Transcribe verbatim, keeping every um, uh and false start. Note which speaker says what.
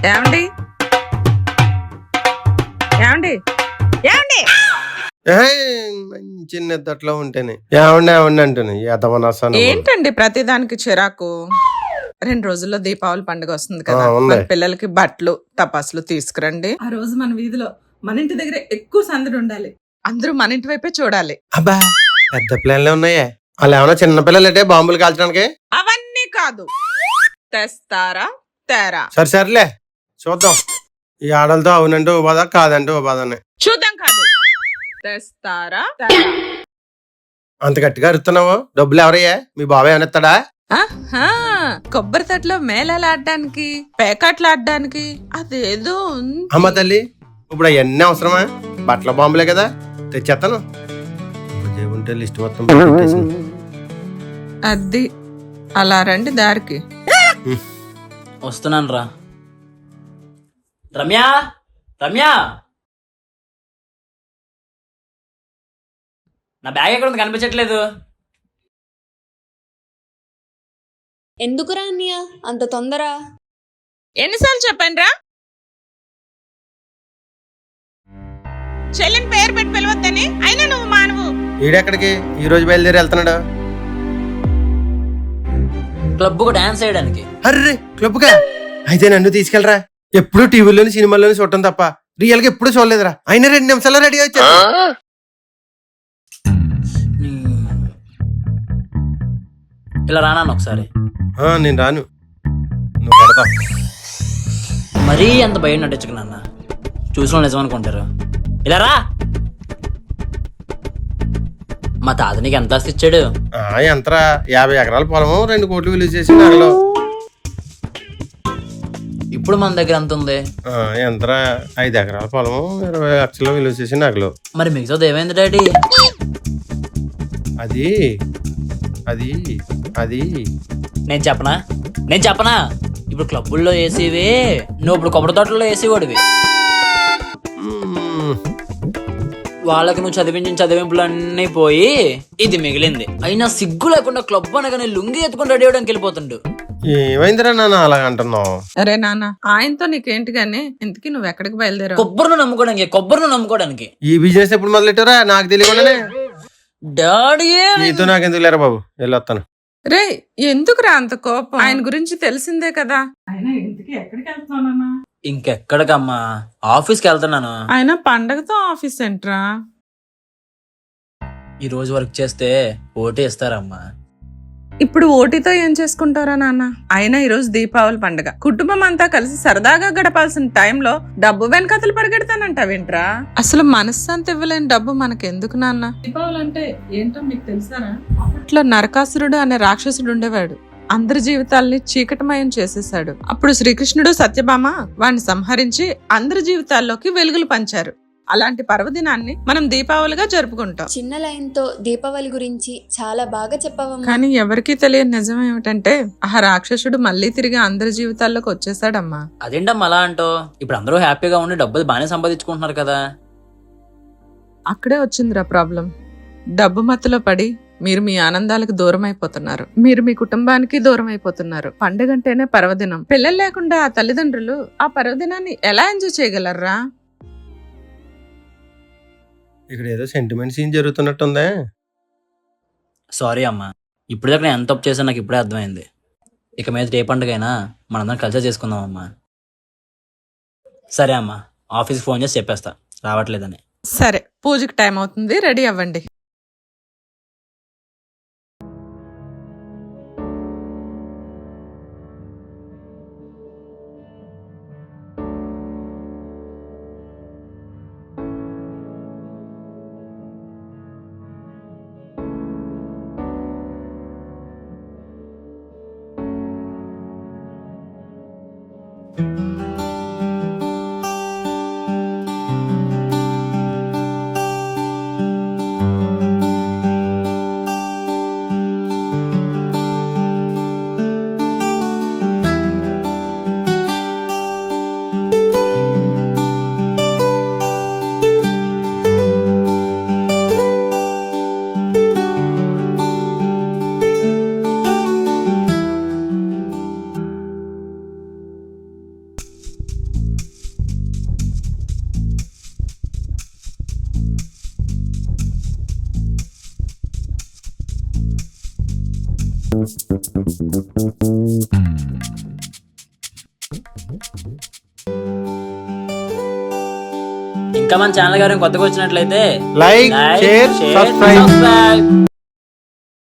Speaker 1: ఏమండి ఏమండి ఏమండి
Speaker 2: మంచి నిద్దట్లో ఉంటేనే ఏమండి ఏమండి అంటేనే యతమనసాను
Speaker 1: ఏంటండి ప్రతిదానికి చిరాకు? రెండు రోజుల్లో దీపావళి పండుగ వస్తుంది కదా,
Speaker 2: ఉంది.
Speaker 1: మన పిల్లలకి బట్టలు టపాసులు తీసుకురండి. ఆ రోజు మన వీధిలో మన ఇంటి దగ్గర ఎక్కువ సందడి ఉండాలి. అందరూ మన ఇంటి వైపే చూడాలి.
Speaker 2: అబ్బా పెద్ద ప్లాన్లే ఉన్నాయే. వాళ్ళు ఏమన్నా చిన్న పిల్లలంటే బాంబులు కాల్చడానికి?
Speaker 1: అవన్నీ కాదు, తెస్తారా తేరా.
Speaker 2: సరే సర్లే చూద్దాం. ఈ ఆడలతో అవునంటే ఓ బాధ, కాదంటే ఓ బాధనే.
Speaker 1: చూద్దాం కాదు, తెస్తారా తేరా.
Speaker 2: అంత గట్టిగా అరుస్తున్నావు. డబ్బులు ఎవరయ్యా? మీ బాబాయ్ ఏమనిస్తాడా?
Speaker 1: ఆహా, కొబ్బరి తట్లో మేళాలాడడానికి పేకాట్లాడడానికి అదేదో ఉంది.
Speaker 2: అమ్మ తల్లి, ఇప్పుడు అవన్నీ అవసరమా? బట్టల బాంబులే కదా, తెచ్చేస్తాను. ఉంటే లిస్ట్ మొత్తం పెట్టేసింది.
Speaker 1: అది అలా రండి దారికి.
Speaker 3: వస్తున్నాను రా. రమ్య రమ్య నా బ్యాగ్ ఎక్కడ ఉంది, కనిపించట్లేదు.
Speaker 4: ఎందుకురా అన్నయ్య అంత తొందర?
Speaker 1: ఎన్నిసార్లు చెప్పాను రా, చెల్లిని పేరు పెట్టి పిలవద్దని. అయినా నువ్వు మానవు.
Speaker 2: ఈడెక్కడికి ఈ రోజు బయలుదేరి వెళ్తున్నాడు?
Speaker 3: క్లబ్ కు డాన్స్ చేయడానికి.
Speaker 2: అర్రే క్లబ్గా అయితే నన్ను తీసుకెళ్ళరా. ఎప్పుడు టీవీలోని సినిమాల్లోని చూడటం తప్ప రియల్ గా ఎప్పుడు చూడలేదురా. అయినా రెండు నిమిషాల్లో రెడీ వచ్చా.
Speaker 3: ఇలా రానా ఒకసారి?
Speaker 2: నేను రాను, నువ్వు పడతావు.
Speaker 3: మరీ అంత భయం నటించకు నాన్న, చూసిన నిజం అనుకుంటారు. ఇలా రా. మా తాత నీకు ఎంత ఆస్తి ఇచ్చాడు?
Speaker 2: ఎంతరా? యాభై ఎకరాల పొలము, రెండు కోట్లు విలువ చేసి నగలు.
Speaker 3: ఇప్పుడు మన దగ్గర ఎంత ఉంది?
Speaker 2: ఎంతరా? ఐదు ఎకరాల పొలము, ఇరవై లక్షలు విలువ చేసి నగలు.
Speaker 3: మరి మిగతాది ఏమైంది డాడీ?
Speaker 2: అది అది అది
Speaker 3: నేను చెప్పనా నేను చెప్పనా ఇప్పుడు క్లబ్బుల్లో వేసేవే, నువ్వు ఇప్పుడు కొబ్బరి తోటల్లో వేసేవాడివి. వాళ్ళకి నువ్వు చదివించిన చదివింపులు అన్నీ పోయి ఇది మిగిలింది. అయినా సిగ్గు లేకుండా క్లబ్ అనగానే లుంగి ఎత్తుకుని రెడీ అవడానికి వెళ్ళిపోతుండు.
Speaker 2: ఏమైందిరా నాన్న అలా అంటున్నావు?
Speaker 1: అరే నాన్న, ఆయనతో నీకేంటి గానీ ఇంతకీ నువ్వు ఎక్కడికి బయలుదేరావు?
Speaker 3: కొబ్బరిని నమ్ముకోవడానికి కొబ్బరిని నమ్ముకోవడానికి.
Speaker 2: ఈ బిజినెస్ ఎప్పుడు మొదలెట్టారా? నాకు తెలియకుండానే.
Speaker 3: డాడీ
Speaker 2: నీతో నాకెందుకు లేరా బాబు, వెళ్ళొస్తాను.
Speaker 1: రే ఎందుకురా అంత కోపం? ఆయన గురించి తెలిసిందే కదా. ఆయన ఇంతకీ ఎక్కడికి వెళ్తానన్నా?
Speaker 3: ఇంకెక్కడికమ్మా, ఆఫీస్కి వెళ్తున్నాను.
Speaker 1: ఆయన పండగతో ఆఫీస్ ఏంట్రా?
Speaker 3: ఈ రోజు వర్క్ చేస్తే ఓటీ ఇస్తారమ్మా.
Speaker 1: ఇప్పుడు ఓటీతో ఏం చేసుకుంటారా నాన్న? అయినా ఈ రోజు దీపావళి పండుగ, కుటుంబం అంతా కలిసి సరదాగా గడపాల్సిన టైంలో డబ్బు వెనకతలు పరిగెడతానంటావేంట్రా? అసలు మనశ్శాంతి ఇవ్వలేని డబ్బు మనకెందుకు నాన్న? దీపావళి అంటే ఏంటో మీకు తెలుసారా? అప్పట్లో నరకాసురుడు అనే రాక్షసుడు ఉండేవాడు. అందరి జీవితాల్ని చీకటమయం చేసేశాడు. అప్పుడు శ్రీకృష్ణుడు సత్యభామ వాణ్ణి సంహరించి అందరి జీవితాల్లోకి వెలుగులు పంచారు. అలాంటి పర్వదినాన్ని మనం దీపావళిగా జరుపుకుంటాం.
Speaker 4: చిన్న లైన్ తో దీపావళి గురించి చాలా బాగా చెప్పావమ్మా.
Speaker 1: కానీ ఎవరికీ తెలియని నిజం ఏమిటంటే ఆ రాక్షసుడు మళ్ళీ తిరిగి అందరి జీవితాల్లోకి వచ్చేసాడమ్మా.
Speaker 3: అదేంటమ్మా అలా అంటో? ఇప్పుడు అందరూ హ్యాపీగా ఉండి డబ్బులు బాగానే సంపాదించుకుంటున్నారు కదా.
Speaker 1: అక్కడే వచ్చిందిరా ప్రాబ్లం. డబ్బు మత్తులో పడి మీరు మీ ఆనందాలకు దూరం అయిపోతున్నారు. మీరు మీ కుటుంబానికి దూరం అయిపోతున్నారు. పండుగంటేనే పర్వదినం. పిల్లలు లేకుండా ఆ తల్లిదండ్రులు ఆ పర్వదినాన్ని ఎలా ఎంజాయ్ చేయగలరా?
Speaker 2: ఇక్కడ ఏదో సెంటిమెంట్ సీన్ జరుగుతున్నట్టుందే.
Speaker 3: సారీ అమ్మా, ఇప్పుడు దాకా నేను ఎంత తప్పు చేశాను నాకు ఇప్పుడే అర్థమైంది. ఇక మీద ఏ పండుగైనా మనందరం కలిసి చేసుకుందాం అమ్మా. సరే అమ్మా, ఆఫీస్కి ఫోన్ చేసి చెప్పేస్తా రావట్లేదని.
Speaker 1: సరే, పూజకి టైం అవుతుంది, రెడీ అవ్వండి.
Speaker 3: ఇంకా మన ఛానల్ గారు కొత్తగా వచ్చినట్లయితే
Speaker 2: లైక్, షేర్, సబ్స్క్రైబ్.
Speaker 3: సబ్స్క్రైబ్